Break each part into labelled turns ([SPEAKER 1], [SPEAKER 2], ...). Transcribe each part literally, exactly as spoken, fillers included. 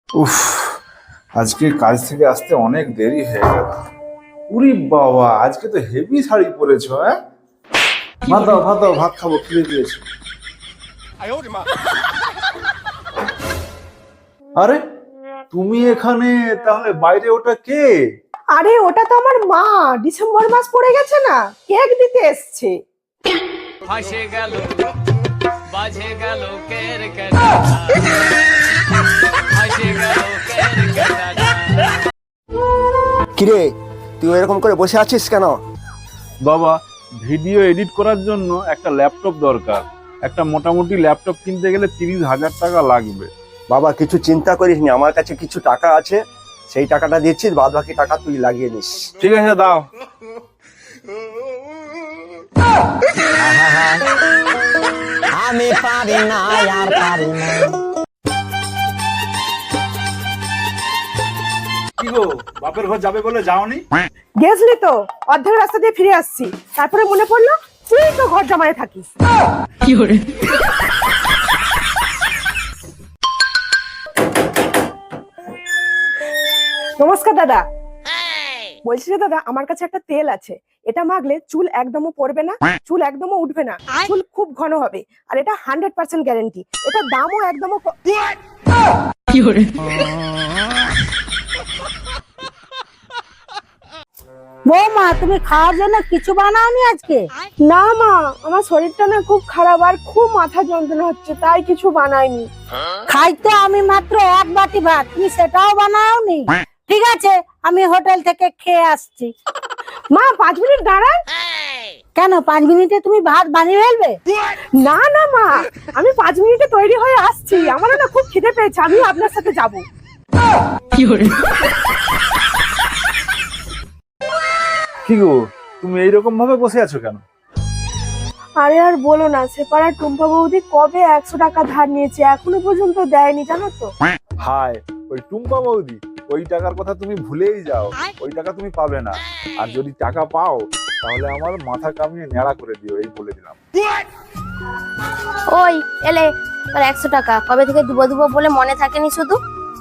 [SPEAKER 1] উফ, আজকে কাজ থেকে আসতে অনেক দেরি হয়ে গেল। উরি বাবা, আজকে তো হেভি শাড়ি পরেছো। হ্যাঁ, ভাত দাও ভাত দাও, ভাত খাবো, খিদে পেয়েছে। আরে তুমি এখানে, তাহলে বাইরে ওটা কে?
[SPEAKER 2] আরে ওটা তো আমার মা, ডিসেম্বর মাস পড়ে গেছে না, কেক দিতে এসছে।
[SPEAKER 3] ফাঁসে গেল বাজে গেল কের কের ফাঁসে গেল কের কের।
[SPEAKER 4] কিরে, তুই এরকম করে বসে আছিস কেন?
[SPEAKER 1] বাবা, ভিডিও এডিট করার জন্য একটা ল্যাপটপ দরকার। একটা মোটামুটি ল্যাপটপ কিনতে গেলে তিরিশ হাজার টাকা লাগবে।
[SPEAKER 4] বাবা, কিছু চিন্তা করিস নি, আমার কাছে কিছু টাকা আছে, সেই টাকাটা দিচ্ছি, বাদ বাকি টাকা তুই লাগিয়ে নিস।
[SPEAKER 1] ঠিক আছে, দাও।
[SPEAKER 5] আমি পারি না আর পারি না।
[SPEAKER 1] কি গো, বাপের ঘর যাবে বলে যাওনি?
[SPEAKER 2] গেছলি তো, অর্ধেক রাস্তা দিয়ে ফিরে আসছি, তারপরে মনে পড়লো তুই তো ঘর জমায়ে থাকিস।
[SPEAKER 3] কি করে?
[SPEAKER 2] নমস্কার দাদা। বলছি যে দাদা, আমার কাছে একটা তেল আছে, এটা মাখলে চুল একদমও পড়বে না, চুল একদমও উঠবে না, চুল খুব ঘন হবে, আর এটা হান্ড্রেড পার্সেন্ট গ্যারেন্টি। এটা দামও একদমও ক-
[SPEAKER 3] কি করে?
[SPEAKER 6] বৌমা, তুমি খাওয়ার জন্য কিছু বানাওনি আজকে?
[SPEAKER 2] না মা, আমার শরীরটা না খুব খারাপ, আর খুব মাথা যন্ত্রণা হচ্ছে, তাই কিছু বানাইনি।
[SPEAKER 6] খাইতে আমি মাত্র এক বাটি ভাত, তুমি সেটাও বানাওনি? ঠিক আছে, আমি হোটেল থেকে খেয়ে আসছি।
[SPEAKER 2] মা, পাঁচ মিনিট দাঁড়ান।
[SPEAKER 6] কেন, পাঁচ মিনিটে তুমি ভাত বানিয়ে ফেলবে?
[SPEAKER 2] না না মা, আমি পাঁচ মিনিটে তৈরি হয়ে আসছি, আমারও না খুব খিদে পেয়েছে, আমি আপনার সাথে যাব।
[SPEAKER 3] কি করে?
[SPEAKER 1] কি গো, তুমি এইরকম ভাবে বসে আছো কেন?
[SPEAKER 2] আরে আর বলো না, সেপাড়ার টুম্পা বৌদি কবে একশো টাকা ধার নিয়েছে, এখনো পর্যন্ত দেয়নি, জানো তো।
[SPEAKER 1] হায়, ওই টুম্পা বৌদি, ওই টাকার কথা তুমি ভুলেই যাও। ওই টাকা তুমি পাবে না, আর যদি টাকা পাও তাহলে আমার মাথা কামিয়ে ন্যাড়া করে দিও, এই বলে দিলাম।
[SPEAKER 7] ওই এলে, তোর একশো টাকা কবে থেকে দুবো দুবো বলে মনে থাকেনি শুধু।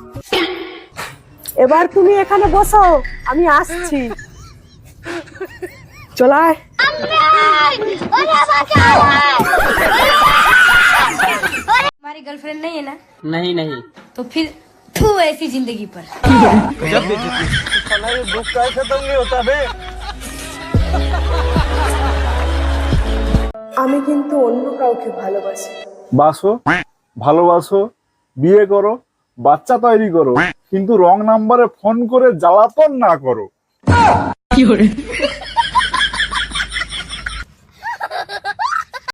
[SPEAKER 2] এবার তুমি এখানে বসো, আমি আসছি। চলায়।
[SPEAKER 7] हमारी गर्लफ्रेंड नहीं है ना?
[SPEAKER 3] नहीं नहीं।
[SPEAKER 7] तो फिर तू ऐसी जिंदगी पर।
[SPEAKER 2] আমি কিন্তু অন্য কাউকে ভালোবাসি।
[SPEAKER 1] বাসো, ভালোবাসো, বিয়ে করো, বাচ্চা তৈরি করো, কিন্তু রং নাম্বারে ফোন করে জ্বালাতন না করো।
[SPEAKER 3] কি করে?